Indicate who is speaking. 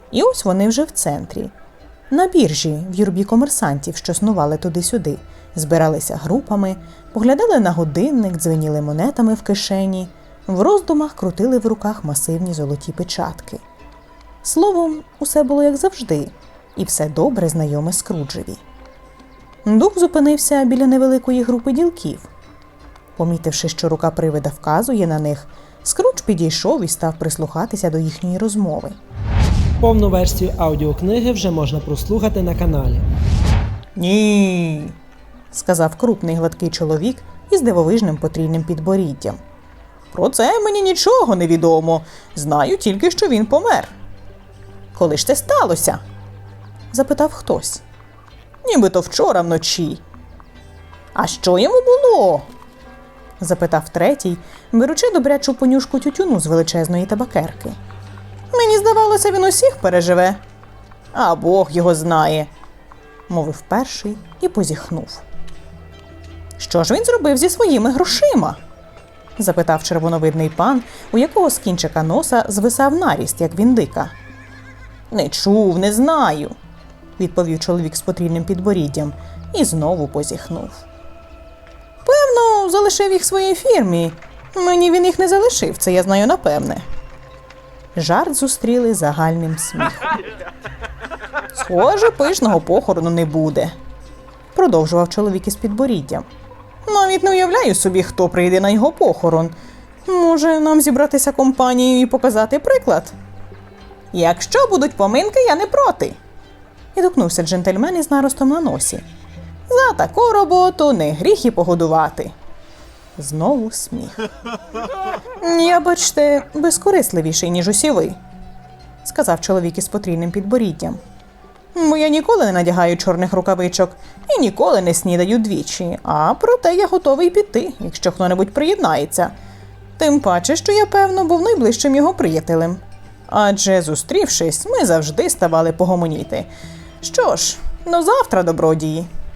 Speaker 1: І ось вони вже в центрі. На біржі, в юрбі комерсантів, що снували туди-сюди, збиралися групами, поглядали на годинник, дзвеніли монетами в кишені, в роздумах крутили в руках масивні золоті печатки. Словом, усе було як завжди, і все добре знайоме Скруджеві. Дух зупинився біля невеликої групи ділків. Помітивши, що рука привида вказує на них, Скрудж підійшов і став прислухатися до їхньої розмови.
Speaker 2: Повну версію аудіокниги вже можна прослухати на каналі.
Speaker 1: «Ні», – сказав крупний гладкий чоловік із дивовижним потрійним підборіддям. «Про це мені нічого не відомо. Знаю тільки, що він помер». «Коли ж це сталося?» – запитав хтось. «Нібито вчора вночі». «А що йому було?» – запитав третій, беручи добрячу понюшку тютюну з величезної табакерки. «Мені здавалося, він усіх переживе». «А Бог його знає», – мовив перший і позіхнув. «Що ж він зробив зі своїми грошима?» – запитав червоновидний пан, у якого з кінчика носа звисав наріст, як віндика. «Не чув, не знаю», – відповів чоловік з потрійним підборіддям і знову позіхнув. «Певно, залишив їх своїй фірмі. Мені він їх не залишив, це я знаю напевне». Жарт зустріли загальним сміхом. «Схоже, пишного похорону не буде», – продовжував чоловік із підборіддям. «Навіть не уявляю собі, хто прийде на його похорон. Може, нам зібратися компанією і показати приклад?» «Якщо будуть поминки, я не проти», – відгукнувся джентльмен із наростом на носі. «За таку роботу не гріх і погодувати». Знову сміх. «Я, бачте, безкорисливіший, ніж усі ви», – сказав чоловік із потрійним підборіддям. «Бо я ніколи не надягаю чорних рукавичок і ніколи не снідаю двічі, а проте я готовий піти, якщо хто-небудь приєднається. Тим паче, що я, певно, був найближчим його приятелем. Адже, зустрівшись, ми завжди ставали погомоніти. Що ж, до завтра, добродії».